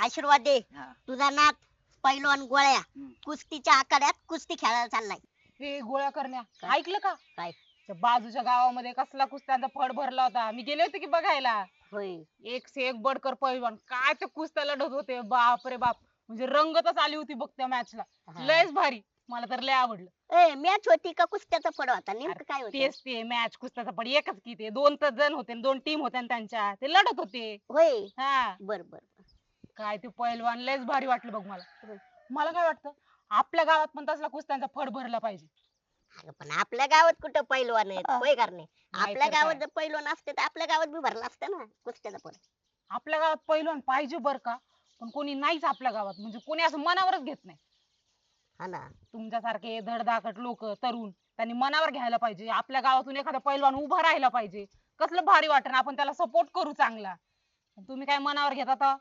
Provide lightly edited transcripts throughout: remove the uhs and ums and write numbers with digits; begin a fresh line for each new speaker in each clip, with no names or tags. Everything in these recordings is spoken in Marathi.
आशीर्वाद दे.
हा.
तुझा नात पैलवान गोळ्या
हम्म.
कुस्तीच्या आखाड्यात कुस्ती खेळायला चाललाय.
हे गोळ्या करण्या
काय?
ऐकलं का?
काय?
त्या बाजूच्या गावामध्ये कसला कुस्त्यांचा फड भरला होता, मी गेले होते की बघायला.
होय.
एक से एक बडकर पैलवान, काय ते कुस्त्या लढत होते, बाप रे बाप. म्हणजे रंगतच आली होती बघ त्या मॅचला.
हा.
लयच भारी, मला तर लय आवडलं.
ए मॅच होती का कुस्त्याचा फड होता नेमकं काय होतं?
तेच ते मॅच कुस्त्याचा पण एकच की ते दोन तर जण होते, दोन टीम होत्या ना त्यांच्या, ते लढत होते.
होय.
हा
बर बर.
काय ते पैलवान लयच भारी वाटलं बघ मला. मला काय वाटतं, आपल्या गावात पण तसला कुस्त्यांचा फड भरला पाहिजे.
अगं पण आपल्या गावात कुठं पैलवान आहेत होय करणे? आपल्या
तर
गावात
काय.
जर पैलवान असते तर आपल्या गावात बी भरला असतं ना कुस्त्याचा फड.
आपल्या गावात पैलवान पाहिजे बर का, पण कोणी नाहीच आपल्या गावात, म्हणजे कोणी असं मनावरच घेत नाही.
हा ना.
तुमच्यासारखे धडधाकट लोक तरुण, त्यांनी मनावर घ्यायला पाहिजे. आपल्या गावातून एखादा पैलवान उभा राहायला पाहिजे. कसलं भारी वाटण, आपण त्याला सपोर्ट करू चांगला. तुम्ही काय मनावर घेता आता?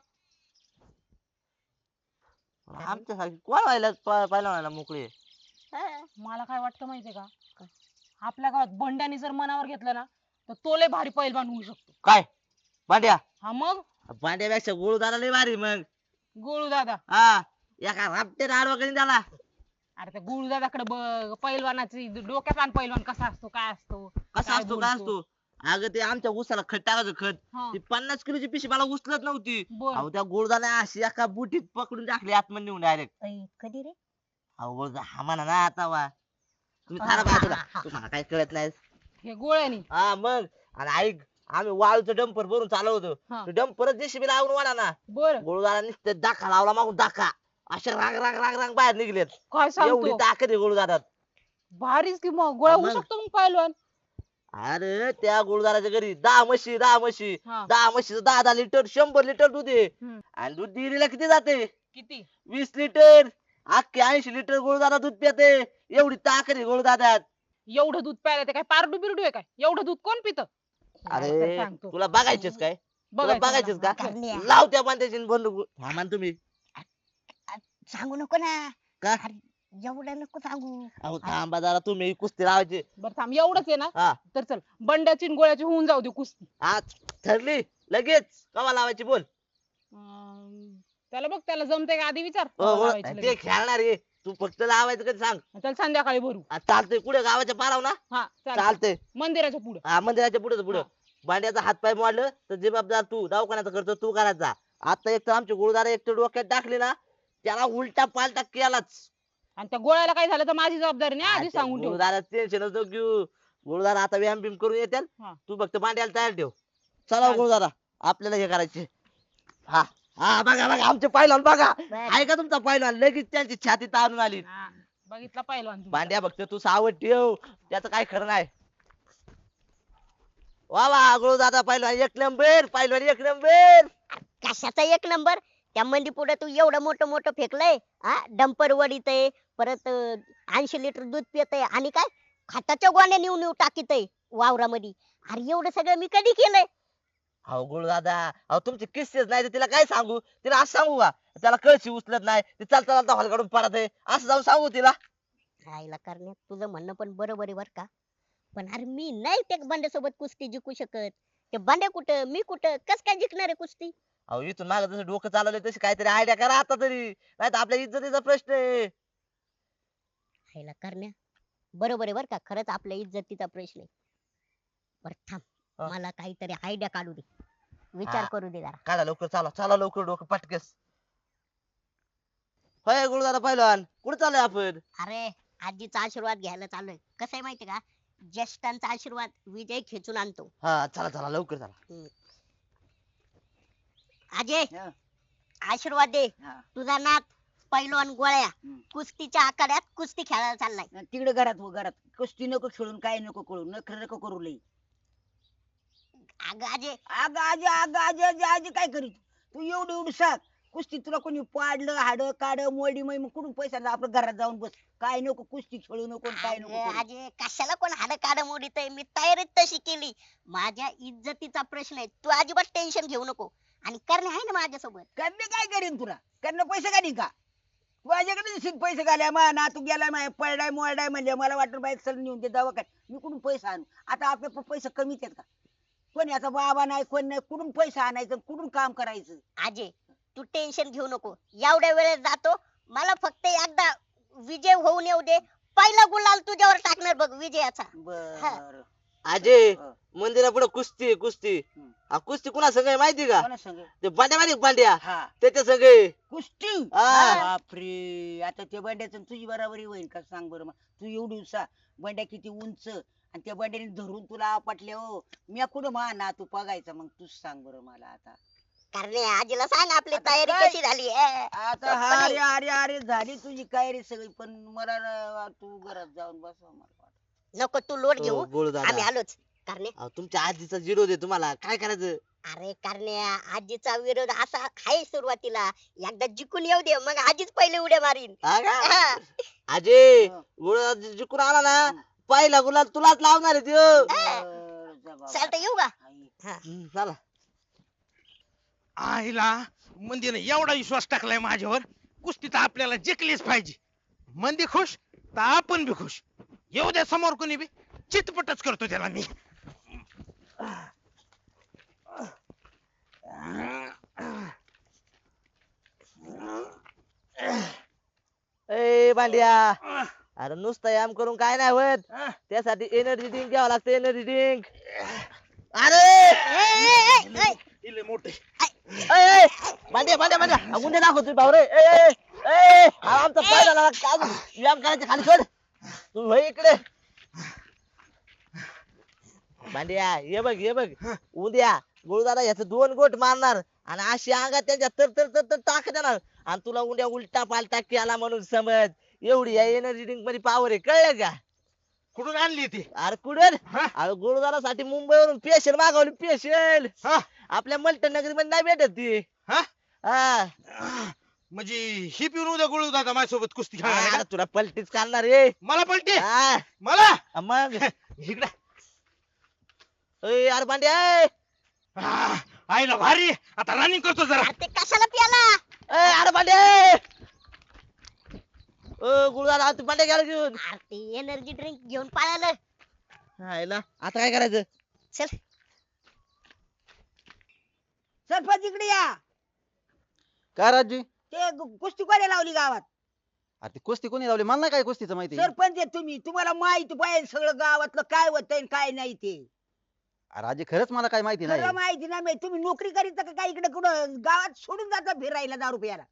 आमच्यासारखी कोण व्हायला पहिला मोकळे.
हा.
मला काय वाटतं माहितीये का,
काय?
आपल्या गावात बंड्यानी जर मनावर घेतलं ना, तर तो लय भारी पैलवान होऊ शकतो.
काय भांड्या?
हा मग
भांड्यापेक्षा गुळदारा लय भारी मग.
गोळू दादा.
हा एका रापटे आडवा करीन त्याला.
अरे त्या गोळू दादाकडे बघ, पैलवानाची डोक्यात आण पैलवान कसा असतो, काय असतो,
कसा असतो काय असतो. अगं ते आमच्या उसाला खत टाकायचं खत,
हा.
ती 50 किलोची पिशी मला उचलत नव्हती.
बर.
अहो त्या गुळदाला अशी एका बुटीत पकडून टाकली आतमध्ये नेऊन डायरेक्ट.
कधी रे?
अहो गुळदा हा म्हणा ना आता वा. तुम्ही थांबा बाजूला, तुम्हाला काय कळत नाही.
हे गोळ्यानी.
हा मग आणि ऐक, आम्ही वाळूचं डंपर भरून चालवतो.
हा.
डंपरच जेसीबीला आवरून वाढा ना.
बर.
गुळदाला नुसतं दाखा लावला मागून दाखा, असे रांग रांग रांग रांग बाहेर निघलेत.
काय
एवढी
सांगतो,
ताकद आहे गुळदारात.
भारीच की मग गोळ्या होऊ
मग.
शकतो मग पैलवान.
अरे त्या गुळदाराच्या घरी 10 म्हशी
हा.
10 म्हशीचं 10 लिटर 100 लिटर दूध आहे.
हम्म.
आणि दूध डेअरीला किती जाते?
किती?
20 लिटर. अख्खे 80 लिटर गुळदारा दूध पिते. एवढी ताकद आहे गुळदारात.
एवढं दूध प्यायला ते काय पारडू बिरडू आहे काय? एवढं दूध कोण पितं?
अरे
सांगतो.
तुला बघायचेच काय? तुला बघायचेच का?
करण्या.
लाव त्या बांध्याची बंदूक. थांबा ना तुम्ही.
सांगू नको ना.
का?
अरे एवढं नको सांगू.
अहो थांबा जरा, तुम्ही कुस्ती लावायची.
बरं थांब, एवढंच आहे ना?
हा
तर चल, बंड्याची आणि गोळ्याची होऊन जाऊ दे कुस्ती.
आज ठरली लगेच. कवा लावायची बोल.
त्याला बघ, त्याला जमतंय का आधी विचार.
हो, हो,
लावायची
ते
लगेच.
खेळणार आहे. तू फक्त लावायचं कधी सांग.
चल संध्याकाळी भरू.
चालतंय. कुठे गावाच्या पाराव ना?
हा चाल,
चालतंय.
मंदिराच्या पुढे.
हा मंदिराच्या पुढे पुढे.
हा.
भांड्याचा हात पाय मोडलं तर जबाबदार तू. दवाखान्याचा खर्च तू करायचा. आता एक तर आमची गुरुदारा एक तर डोक्यात टाकली ना, त्याला उलटा पालटा केलाच.
आणि त्या गोळ्याला काय झालं तर माझी जबाबदारी नाही, आधी सांगून ठेव.
गुरुदारा टेन्शन नको घेऊ. गुरुदारा आता व्यायाम बिम करून येतील.
हा.
तू फक्त भांड्याला तयार ठेव. चला
चालतंय.
गुरुदारा, आपल्याला हे करायचे. हा हा बघा बघा आमचे पायलवान बघा.
बर.
आहे का तुमचा पायलवान? लगेच त्यांची छाती ताणून आली.
हा, बघितला पहिलवान तुमचा.
भांड्या फक्त तू सावध ठेव, त्याचं काय खरं नाही. वा वा गुरुदादा पहिलवान एक नंबर. पहिलवान एक नंबर.
कशाचा एक नंबर? त्या मंदी पुढे तू एवढं मोठं मोठं फेकलंय. हा डंपर वडीतय, परत 80 लिटर दूध पितय आणि काय खताच्या गोण्या नेऊ नेऊ टाकीतय वावरामध्ये. अरे एवढं सगळं मी कधी केलंय?
अहो गुरुदादा, अहो तुमचे किस्सेच नाही तर तिला काय सांगू? तिला असं सांगू का त्याला कळशी उचलत नाही, ते चालता चालता हॉल काढून पडत आहे, असं जाऊन सांगू तिला?
राहिला करण्यात तुझं म्हणणं पण बरोबर आहे बर का. पण अरे मी नाही त्या बंड्यासोबत कुस्ती जिंकू शकत. ते बंड्या कुठं मी कुठं कस काय जिंकणार आहे कुस्ती?
अहो इथून माग जसं डोकं चालवलंय तशी काहीतरी आयडिया करा आता तरी, नाही तर आपल्या इज्जतीचा प्रश्न आहे.
राहिला करण्या बरोबर आहे बर का, खरंच आपल्या इज्जतीचा प्रश्न आहे. बर थांब,
हा.
मला काहीतरी आयडिया काढू दे, विचार
हा.
करू दे जरा.
काढा लवकर, चला चला लवकर डोकं पटकेस. होय गुरुदादा पहिलवान, कुठे चाललोय आपण?
अरे आजीचा आशीर्वाद घ्यायला चाललोय. कसं आहे माहितीये का, ज्येष्ठांचा आशीर्वाद विजय खेचून आणतो.
हा चला चला लवकर चला.
अजय
हा.
आशीर्वाद दे.
हा.
तुझा नात पैलवान गोळ्या
हम्म.
कुस्तीच्या आखाड्यात कुस्ती खेळायला चाललाय.
तिकडे घरात हो घरात कुस्ती नको खेळून काय नको करू नखरे नको करू लई.
अगं अजय
अगं आजी काय करीत तू एवढी एवढी सांग कुस्ती तुला कोणी पाडलं हाड काड मोडी मग कुठून पैसा आणला? आपलं घरात जाऊन बस. काय नको कुस्ती खेळू नको आणि काय नको
अगं
करू.
अजय कशाला कोण हाड काढ मोडीतय? मी तयारीच तशी केली. माझ्या इज्जतीचा प्रश्न आहे, तू अजिबात टेन्शन घेऊ नको. आणि करणे आहे ना माझ्यासोबत.
करणे काय करीन तुला करणं पैसे काढीन का? माझ्याकडे दिसत पैसे घाल्या मा ना तू गेलाय माय पळडाय मोळडाय म्हणजे मला वाटलं बाई चल नेऊन दे दवाखान्यात. मी कुठून पैसा आणू? आता आपले पैसे कमीच आहेत का? कोणी आता बाबा नाही कोण नाही कुठून पैसा आणायचं कुठून काम करायचं?
अजय तू टेन्शन घेऊ नको, एवढ्या वेळेस जातो. मला फक्त एकदा विजय होऊन येऊ दे. पहिला गुलाल तुझ्यावर टाकणार बघ विजयाचा.
बर
अजय मंदिरापुढे कुस्ती आहे, कुस्ती.
हम्म.
कुस्ती कुणा संग आहे माहिती का?
कोणा संग?
ते बांड्या माहिती का, बांड्या
हा
त्याच्या संग आहे.
कुस्ती.
हा.
बापरे, आता त्या बंड्याचं आणि तुझी बराबरी होईल का सांग बरं मग. तू एवढी उसा बंड्या किती उंच आणि त्या बंड्याने धरून तुला आपटले हो. मी कुठं ना तू बघायचा मग तूच सांग बरं मला आता.
कारण आजीला सांग आपली
आता
तयारी
काय?
कशी झाली.
आता हा अरे अरे अरे झाली तुझी काय रे सगळी, पण मला तू घरात जाऊन बसवा मला वाटतं.
नको तू लोट घेऊ,
हो, गोळू दादा.
आम्ही आलोच. कारण
अहो, तुमच्या आजीचा जिरो दे तुम्हाला काय करायचं.
अरे करण्या, आजीचा विरोध असा आहे सुरुवातीला. एकदा जिंकून येऊ दे, मग आजीच पहिले उड्या मारीन.
हा का?
हा.
अजय
हा.
गोळा जिंकून आला ना, पहिला गुलाल तुलाच लावणार आहे त्यो.
बरं, जा बाबा.
चालतं येऊ का?
आई.
हा.
चला.
आईला मंदीने एवढा विश्वास टाकलाय माझ्यावर, कुस्ती तर आपल्याला जिंकलीच पाहिजे. मंदी खुश तर आपण बी खुश. येऊ द्या समोर कोणी बी, चितपटच करतो त्याला मी.
ए बांड्या, अरे नुसतं याम करून काय नाही होत. त्यासाठी एनर्जी ड्रिंक घ्यावं लागतं, एनर्जी ड्रिंक. अरे
इले मोठे
बांड्या बांड्या बांड्या उद्या दाखवतोय भाऊ रे. अरे आमचा फायदा झाला. अजून व्यायाम करायचे, खाली सोड. तू होय इकडे. बांड्या ये बघ, ये बघ. उद्या गुरुदादा याचं 2 गोट मारणार आणि अशी अंगात त्यांच्या तर तर तर तर टाक देणार आणि तुला उद्या उलटा पालटा केला म्हणून समज. एवढी या एनर्जी ड्रिंक मध्ये पावर आहे, कळलं का?
कुठून आणली ती?
अरे कुठं?
हा?
अरे गुरुदारासाठी मुंबईवरून स्पेशल मागवली, स्पेशल.
हा?
आपल्या मल्टन नगरी मध्ये नाही भेटत ती.
हा?
हा.
म्हणजे ही पिऊन उद्या गोळू दादा माझ्यासोबत कुस्ती खेळणार आहे
अरे
का?
तुला पलटीच करणार रे.
मला पलटी
हा.
मला
मग
इकडे.
अरे बांड्या.
आईला भारी. आता रनिंग करतो जरा.
अरे ते कशाला प्याला?
अरे बांड्या. गुरुदादा तू बांड्या घ्यायला घेऊन.
अरे ते एनर्जी ड्रिंक घेऊन पळालं.
हायला, आता काय करायचं?
चल
सरपंच इकडे या.
काय राजी?
ते कुस्ती कोणी लावली गावात?
अरे ती कुस्ती कोणी लावली? मला नाही काय कुस्तीचं माहिती.
सरपंच आहे तुम्ही, तुम्हाला माहिती पाहिजे सगळं गावातलं काय होतंय आणि काय नाही ते.
राजे खरंच मला काय माहिती नाही.
खरं माहिती नाही माहिती. तुम्ही नोकरी करीत का काय इकडे कुठं गावात सोडून जाता फिरायला दारू प्यायला?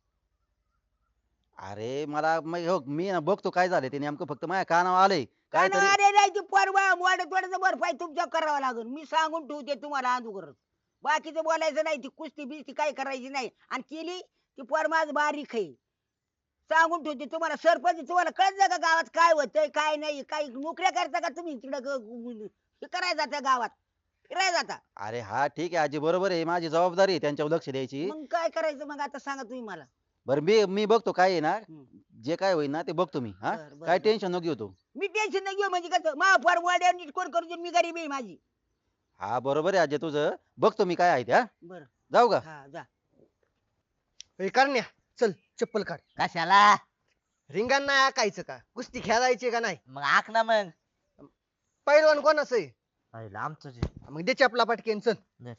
अरे मला मी ना बघतो काय झालं ते नेमकं, फक्त माझ्या कानावर आलंय
काय
काहीतरी.
अरे नाही ती परवा वाढत वाढत बर्फाय तुमच्या करावं लागेल. मी सांगून ठेवते तुम्हाला आंदू करत. बाकीचं बोलायचं नाही. ती कुस्ती बिस्ती काय करायची नाही आणि केली ती पोर माझ बारीक आहे. सांगून ठेवते तुम्हाला. सरपंच तुम्हाला कळत का गावात काय होतंय काय नाही? काही नोकऱ्या करता का तुम्ही तिकडं हे करायला जाता गावात फिरायला जाता?
अरे हा ठीक आहे आजी, बरोबर आहे, माझी जबाबदारी आहे त्यांच्यावर लक्ष द्यायची.
मग काय करायचं मग आता सांगा तुम्ही मला.
बरं मी बघतो काय आहे ना,
हम्म.
जे काय होईल ना ते बघतो मी. हा
बरं, बरं,
काय
बरं.
टेन्शन नको घेऊ तू.
मी टेन्शन नाही घेऊ म्हणजे कसं मा फार वाड्या नीट कोण करू दे, मी गरीब आहे माझी.
हा बरोबर आहे आजी तुझं, बघतो मी काय आहे ते. हा
बरं
जाऊ का?
हा जा.
करण्या चल चप्पल काढ.
कशाला?
रिंगाण नाही आकायचं का? कुस्ती खेळायची का नाही?
मग आख ना मग.
पैलवान कोणाचं आहे?
आमचं जे.
मग दे चपला पटकेन चल.
दे.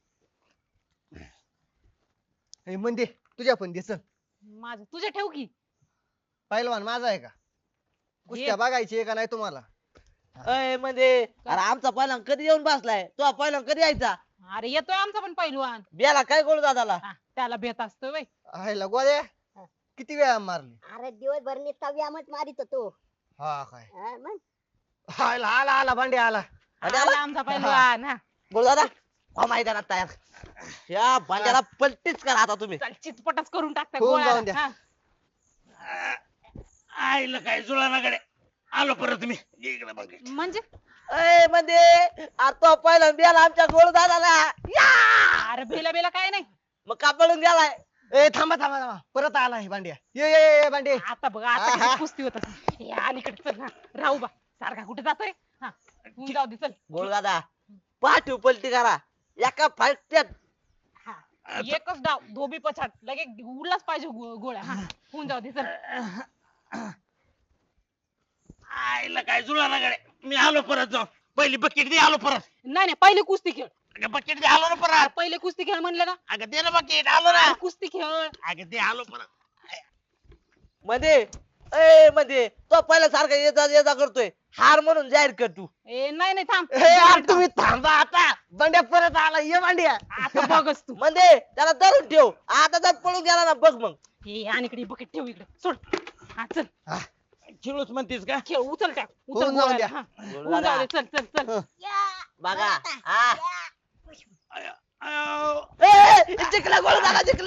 हे म्हणजे तुझ्या पण दे चल.
माझं तुझे ठेव की.
पैलवान माझा आहे का? कुस्त्या बघायची आहे का नाही तुम्हाला?
म्हणजे अरे आमचा पहिला कधी येऊन बसलाय, तो पहिला कधी यायचा?
अरे येतोय आमचा पण पैलवान.
बियाला काय गोळ दादाला?
हा, त्याला भेट असतोय वय.
आहे गोळ्या किती वेळा मारली?
अरे दिवसभर नुसता व्यायामच मारित होतो.
हा काय
मग
आला आला आला भांडे आला.
आणि
आला आमचा पैलवान. हा
गोळ दादा मैदानात तयार. या भांड्याला पलटीच करा आता तुम्ही.
चल चितपटच करून टाकता
होऊन
गोळ्याला.
जाऊन द्या.
हा.
आईला काय जुळानाकडे आलो परत मी. इकडे बघ.
म्हणजे
म्हणजे अरे तो पहिला बियाला आमच्या गोळ दादाला.
अरे बेला बेला काय नाही.
मग कापडून गेलाय.
ए थांबा थांबा थांबा, परत आला हे भांड्या. ये भांडे.
आता बघ आता
आहा.
किती कुस्ती होत असेल. या अलीकडे चल. हा, राहू बा सारखा कुठे जातोय. हा होऊन जाऊ दे चल.
गोळ दादा पाठीव पलटी करा एका फाटत्यात.
हा, एकच डाव धोबी पछाड लगे उडलाच पाहिजे गोळ्या. हा होऊन जाऊ दे चल.
आईला काय जुळानाकडे. मी आलो परत जाऊ. पहिली बकेट दे, आलो परत.
नाही नाही पहिली कुस्ती खेळ.
अगं बकेट दे, आलो ना परत.
पहिले कुस्ती खेळ म्हणलं ना.
अगं दे ना बकेट, आलो ना.
कुस्ती खेळ.
अगं दे, आलो परत.
मध्ये ए मध्ये तो पहिला सारखा ये जा करतोय, हार म्हणून जाहीर कर तू.
ए नाही नाही थांब.
हे यार तुम्ही थांबा आता, बंड्या परत आला, ये बंड्या.
आता बघच तू.
मध्ये त्याला धरून ठेव, आता जर पळून गेला ना बघ मग.
हे आणि इकडे बकेट ठेव इकडे सोड. हा चल
खेळूच म्हणतीस का?
खेळ उचल टाक उचल
होऊन जाऊ
गोळ्या.
द्या.
हा, होऊन जाऊ दे. चल चल चल.
बघा हा.
अयो,
ए, जिंकला गोल झाला, जिंकला.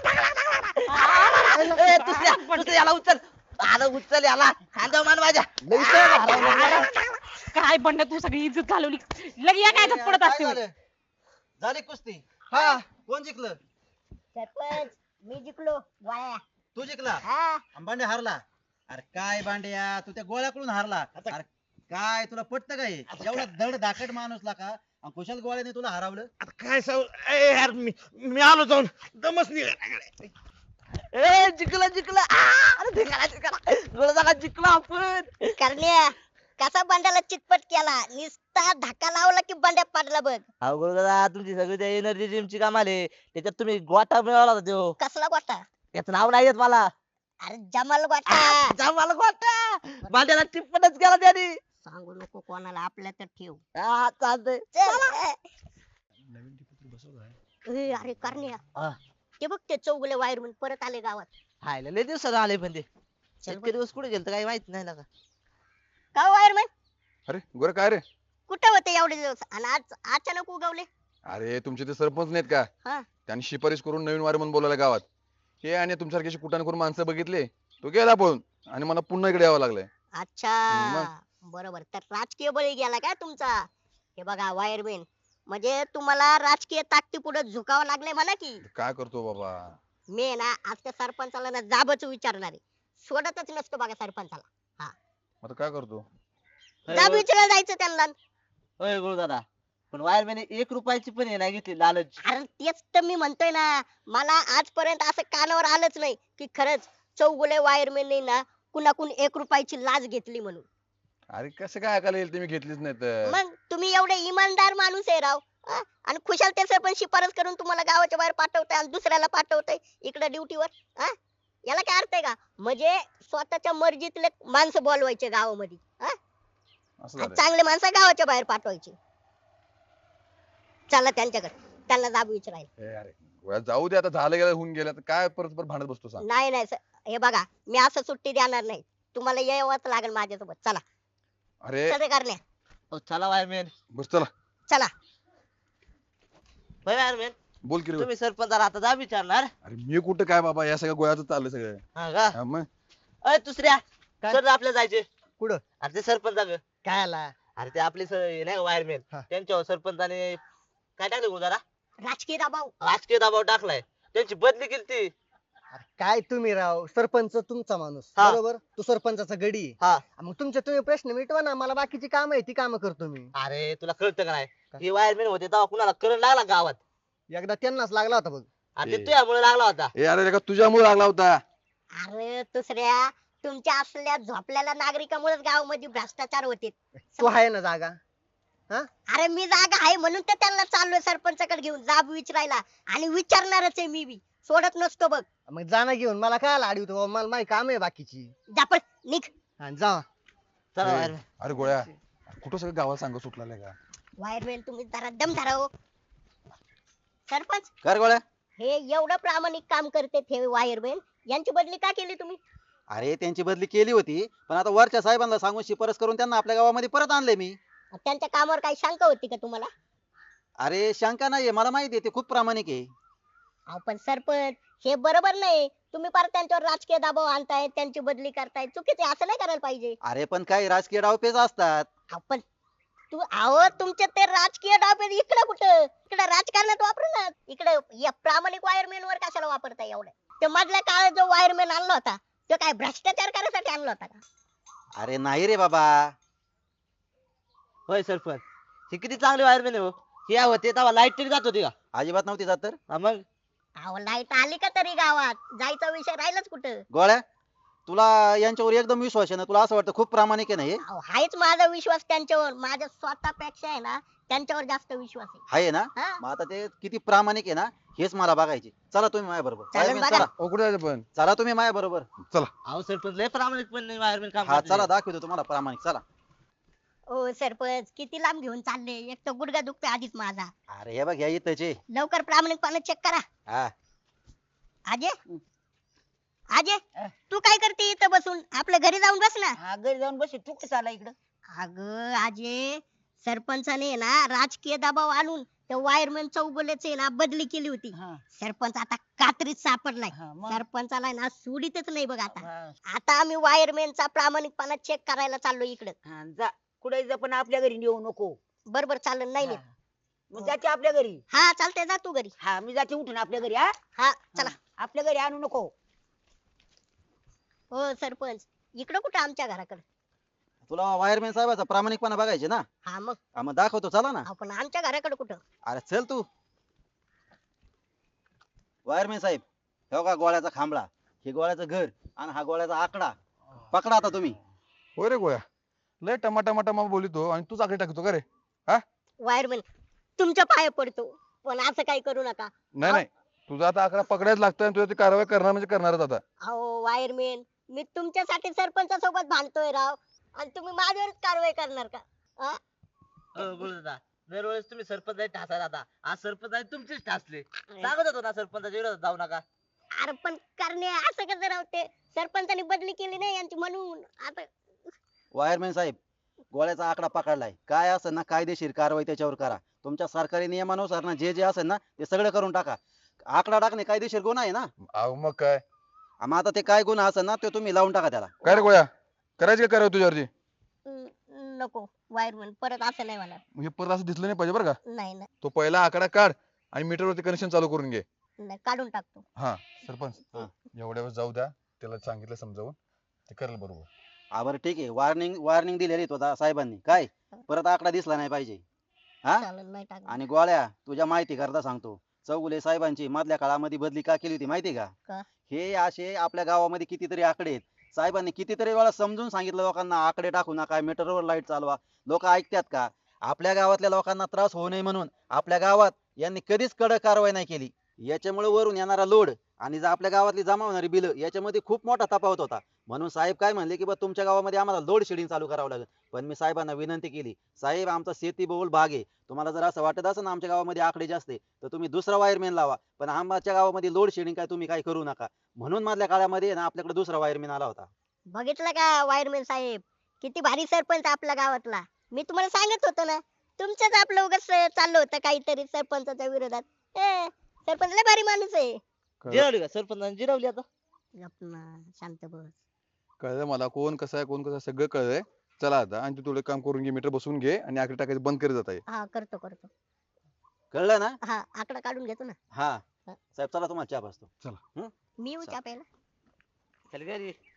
ए, दुसऱ्या याला उचल, आला उचल याला, खांदा मान माझ्या.
लई सर हरवलं.
काय बंड तू सगळी इज्जत घालवली. लगे या काय पडत
काय
असते.
झालं? झाली कुस्ती?
हा
कोण जिंकलं?
सरपंच मी जिंकलो गोळ्या.
तू जिंकला
हा
आणि बांड्या हारला. अरे काय बांड्या, तू त्या गोळ्याकडून हारला. अरे काय तुला पटतं काय? एवढा धड धाकट माणूस ला का आणि कुशल गोळ्याने तुला हरवलं.
आता काय ए यार, मी आलो जाऊन, दमच निघाला.
ए जिंकला जिंकला. अरे जिंकला गोल झाला, जिंकला आपण.
करण्या कसा बंड्याला चितपट केला, निस्ता धक्का लावला की बंड्या पडला बघ.
अहो गुरु दादा, तुमची सगळी त्या एनर्जी जिमची काम आले, त्याच्यात तुम्ही गोटा मिळवला होता त्यो.
कसला गोटा?
त्याचं नाव नाही येत मला.
अरे जमाल गोटा.
मला गोटा भांड्याला टिप्पणच केला त्याने.
सांगू नको कोणाला, आपल्या तर ठेव.
हा चालतंय.
चल. अरे करण्या
हा.
ते बघ ते चौगले वायरमन परत आले गावात.
खायला लय दिवसात आले पण ते. इतके दिवस कुठे गेलत काही माहित नाही ना.
का वायरमन
अरे गोरे काय रे?
कुठे होते एवढे दिवस आणि आज अचानक उगवले?
अरे तुमचे ते सरपंच नाहीत का?
हा.
त्यांनी शिफारस करून नवीन वारे म्हणून बोलायला गावात. हे आणि तुमच्यासारखी कुटाने करून माणसं बघितले, तो गेला पळून आणि मला पुन्हा इकडे यावं लागलंय.
अच्छा बरोबर, तर राजकीय बळी गेला काय तुमचा? हे बघा वायरमॅन, म्हणजे तुम्हाला राजकीय ताकदी पुढे झुकावं लागले म्हणा की.
काय करतो बाबा?
मी ना आज त्या सरपंचाला ना जाबच विचारणार आहे. सोडतच नसतो बघा सरपंचाला.
आता काय करतो?
जाब विचारायला जायचं त्यांना.
होय गुरु दादा, पण वायरमॅन 1 रुपयाची पण हे नाही घेतली लालच.
अरे तेच तर मी म्हणतोय ना, मला आजपर्यंत असं कानावर आलंच नाही की खरंच चौगुले वायरमॅनने ना कुणाकून 1 रुपयाची लाच घेतली म्हणून.
अरे कसं काय ऐकायला येईल, तुम्ही घेतलीच नाही तर?
मग तुम्ही एवढे इमानदार माणूस आहे राव. आणि खुशाल ते सरपंच शिफारस करून तुम्हाला गावाच्या बाहेर पाठवताय आणि दुसऱ्याला पाठवताय इकडे ड्युटीवर. याला काय अर्थ आहे का? म्हणजे स्वतःच्या मर्जीतले माणसं बोलवायचे गावामध्ये,
असं झालंय.
चांगले माणसं गावाच्या बाहेर पाठवायचे. चला त्यांच्याकडे, त्यांना जाब विचारायला.
ए अरे गोळ्या, जाऊ दे आता, झालं गेलं होऊन गेलं, आता काय परत परत भांडत बसतो सांग?
नाही नाही sir, हे बघा मी असं सुट्टी देणार नाही. तुम्हाला यावंच लागेल माझ्यासोबत. चला
अरे
चल रे करण्या,
हो, चला वायरमॅन.
बस चला.
चला.
होय वायरमॅन,
बोल की रे.
तुम्ही सरपंचाला आता जा विचारणार.
अरे मी कुठं काय बाबा, या सगळ्या गोळ्याचं चाललंय सगळं.
हा का?
हा मग
अय दुसऱ्या
काय?
सर आपल्या जायचे.
कुठं?
अरे ते सरपंच,
काय आला?
अरे ते आपले नाही का वायरमॅन,
हा.
त्यांच्यावर सरपंचाने काय टाकलं गुरु दादा?
राजकीय दबाव.
राजकीय दबाव टाकलाय, त्यांची बदली केली ती.
अरे काय तुम्ही राव, सरपंच तुमचा माणूस
हा.
बरोबर, तो सरपंचाचा गडी आहे.
हा.
मग तुमचे तुम्ही प्रश्न मिटवा ना, मला बाकीची काम आहे ती काम करतो मी.
अरे तुला कळतं का नाही?
काय?
हे वायरमॅन होते तेव्हा कुणाला करंट लागला गावात,
एकदा त्यांनाच लागला होता बघ.
आणि ते
ए.
तुझ्यामुळे लागला होता.
ए अरे का तुझ्यामुळे लागला होता?
अरे दुसऱ्या, तुमच्या असलेल्या झोपलेल्या नागरिकामुळेच गावामध्ये भ्रष्टाचार होते.
तू आहे ना जागा?
अरे मी जागा आहे म्हणून तर त्यांना चाललोय सरपंचाकडे घेऊन जाब विचारायला, आणि विचारणारच आहे मी बी. सोडत नसतो बघ.
मग जाना घेऊन मला काय आडवतो बाबा, मला माझी काम आहे बाकीची.
जापळ निघ.
हा, जा.
चला
ए,
वायरमॅन.
अरे गोळ्या, कुठं सगळं गावाला सांग सुटला का?
वायरमॅन तुम्ही जरा दम धरा हो. सरपंच,
कर गोळ्या.
हे एवढं प्रामाणिक काम करते हे वायरमॅन, यांची बदली का केली तुम्ही?
अरे त्यांची बदली केली होती, पण आता वरच्या साहेबांना सांगून शिफारस करून त्यांना आपल्या गावामध्ये परत आणले मी.
त्यांच्या कामावर काही शंका होती का तुम्हाला?
अरे शंका नाहीये, मला माहिती आहे ते खूप प्रामाणिक आहे.
अहो पण सरपंच, हे बरोबर नाही. तुम्ही परत त्यांच्यावर राजकीय दबाव आणताय, त्यांची बदली करताय, चुकीचे. असं नाही करायला पाहिजे.
अरे पण काही राजकीय डावपेच असतात.
आपण तुमचे ते राजकीय डाव इकडे कुठं, इकडे राजकारणात वापरू ना. इकडे या प्रामाणिक वायरमॅन वर कशाला वापरताय एवढं? ते मधल्या काळात जो वायरमॅन आणला होता तो काय भ्रष्टाचार करायसाठी आणला होता का?
अरे नाही रे बाबा.
होय सरपंच, हे किती चांगले वायरमॅन हो. हे होते तेव्हा लाईट तरी जात होती का?
अजिबात नव्हती जात तर.
हा मग
अहो लाईट आली का तरी गावात? जायचा विषय राहिलाच कुठं?
गोळ्या, तुला यांच्यावर एकदम विश्वास आहे ना? तुला असं वाटतं खूप प्रामाणिक आहे ना हे?
अहो, हायच माझा विश्वास त्यांच्यावर, माझ्या स्वतःपेक्षा आहे ना त्यांच्यावर जास्त विश्वास आहे.
आहे ना?
हा
मग आता ते किती प्रामाणिक आहे ना हेच मला बघायचे. चला तुम्ही माझ्या बरोबर.
चालेल बघा.
चला.
ओ कुठे जायचं पण
चला तुम्ही माझ्या बरोबर.
अहो सरपंच लय प्रामाणिकपणे वायरमॅन काम
हा
करते.
चला दाखवतो तुम्हाला प्रामाणिक. चला.
ओ सरपंच किती लांब घेऊन चालले, एक तर गुडघा दुखतोय आधीच माझा.
अरे हे बघ या इथंचे.
लवकर प्रामाणिकपणे चेक करा.
हा
अजय अजय तू काय करते इथं बसून, आपल्या घरी जाऊन बस ना.
हा घरी जाऊन बस, तू कसं आला इकडं?
अगं अजय, सरपंचाने ना राजकीय दबाव आणून त्या वायरमॅन चौगुलेचे ना बदली केली होती.
हा,
सरपंच आता कात्रीत सापडलाय.
हा, मग?
सरपंचाला ना सोडीतच नाही बघ आता.
हा,
आता आम्ही वायरमॅनचा प्रामाणिकपणा चेक करायला चाललो इकडं.
हा, जा कुठे जा पण आपल्या घरी येऊ नको.
बरोबर चालेल, नाही
हा.
नाही.
मग जाते आपल्या घरी.
हा चालतंय, जा तू घरी.
हा मी जाते उठून आपल्या घरी. हा
हा चला.
आपल्या घरी आणू नको.
हो सरपंच, इकडं कुठं आमच्या घराकडे?
तुला वायरमॅन साहेबाचा प्रामाणिकपणा बघायचे ना?
हा मग
हा, मग दाखवतो चला ना.
आपण आमच्या घराकडे कुठं?
अरे चल तू. वायरमॅन साहेब हे का गोळ्याचा खांबळा, हे गोळ्याचं घर आणि हा गोळ्याचा आकडा. पकडा आता तुम्ही.
होय रे गोळ्या, लय टमाटा बोलितो आणि तूच आकडे टाकतो का रे?
वायरमॅन तुमच्या पाया पडतो, पण असं काही करू नका.
नाही नाही, तुझा आता आकडा पकडायच लागतं आणि तुझ्या ती कारवाई करणार म्हणजे करणारच आता.
अहो वायरमॅन, मी तुमच्यासाठी सरपंचासोबत भांडतोय राव, आणि तुम्ही माझ्यावरच कारवाई करणार का? हा?
गुरुदादा दरवेळेस तुम्ही सरपंच ठासा राहता, आज सरपंच तुमचेच ठासले. सांगत होतो ना सरपंचाच्या विरोधात जाऊ नका.
अरे पण करणे असं कसं राहते, सरपंचाने बदली केली नाही यांची म्हणून आता.
वायरमॅन साहेब गोळ्याचा आकडा पकडलाय, काय असेल ना कायदेशीर कारवाई त्याच्यावर करा. तुमच्या सरकारी नियमानुसार ना जे जे असेल ना ते सगळं करून टाका. आकडा टाकणे कायदेशीर गुन्हा आहे ना?
अहो मग काय
मग आता ते काय गुन्हा असेल ना ते तुम्ही लावून टाका त्याला.
काय रे गोळ्या, करायची का कारवाई तुझ्यावरती?
नको वायरमॅन, परत असं नाही मला.
हे परत असं दिसलं नाही पाहिजे बरं का.
नाही नाही
तो पहिला आकडा काढ आणि मीटरवरती कनेक्शन चालू करून घे.
नाही, काढून टाकतो.
हा सरपंच,
हा.
एवढ्या वेळेस जाऊ द्या, त्याला सांगितलं समजावून, ते करेल बरोबर.
बरं ठीक आहे. वॉर्निंग दिलेली तो साहेबांनी, काय परत आकडा दिसला नाही पाहिजे. हा
चालेल, नाही टाकणार.
आणि गोळ्या तुझ्या माहिती करता सांगतो, चौगुले साहेबांची मधल्या काळामध्ये बदली का केली होती माहिती
का?
का? हे असे आपल्या गावामध्ये कितीतरी आकडे आहेत. साहेबांनी कितीतरी वेळा समजून सांगितलं लोकांना आकडे टाकू नका, मीटरवर लाईट चालवा. लोक ऐकतात का? आपल्या गावातल्या लोकांना त्रास होऊ नये म्हणून आपल्या गावात यांनी कधीच कडक कारवाई नाही केली. याच्यामुळे वरून येणारा लोड आणि जर आपल्या गावातली जमा होणारी बिल याच्यामध्ये खूप मोठा तफावत होता. म्हणून साहेब काय म्हणले की बा तुमच्या गावामध्ये आम्हाला लोड शेडिंग चालू करावं लागेल. पण मी साहेबांना विनंती केली, साहेब आमचा शेतीबहुल भाग आहे, तुम्हाला जर असं वाटत असेल ना आमच्या गावामध्ये आकडे जास्त आहे तर तुम्ही दुसरा वायरमॅन लावा, पण आमच्या गावामध्ये लोड शेडिंग काय तुम्ही काय करू नका. म्हणून मधल्या काळामध्ये ना आपल्याकडे दुसरा वायरमॅन आला होता.
बघितलं का वायरमॅन साहेब, किती भारी सरपंच आपल्या गावातला. मी तुम्हाला सांगत होतो ना, तुमचंच आपलं उगाच चाललं होतं काहीतरी सरपंचाच्या विरोधात. सरपंच लय भारी माणूस आहे.
जिरवली का सरपंचाने जिरवली आता?
गप ना, शांत बस.
कळलं मला कोण कसं आहे, कोण कसं आहे, सगळं कळलंय. चला आता, आणि तू थोडं काम करून घे, मीटर बसवून घे आणि आकडे टाकायचं बंद करीत जाता ये.
हा करतो करतो.
कळलं ना?
हा आकडा काढून घेतो ना.
हा साहेब चला तुम्हाला चहा पाजतो.
मी येऊ चहा प्यायला?
चल घरी.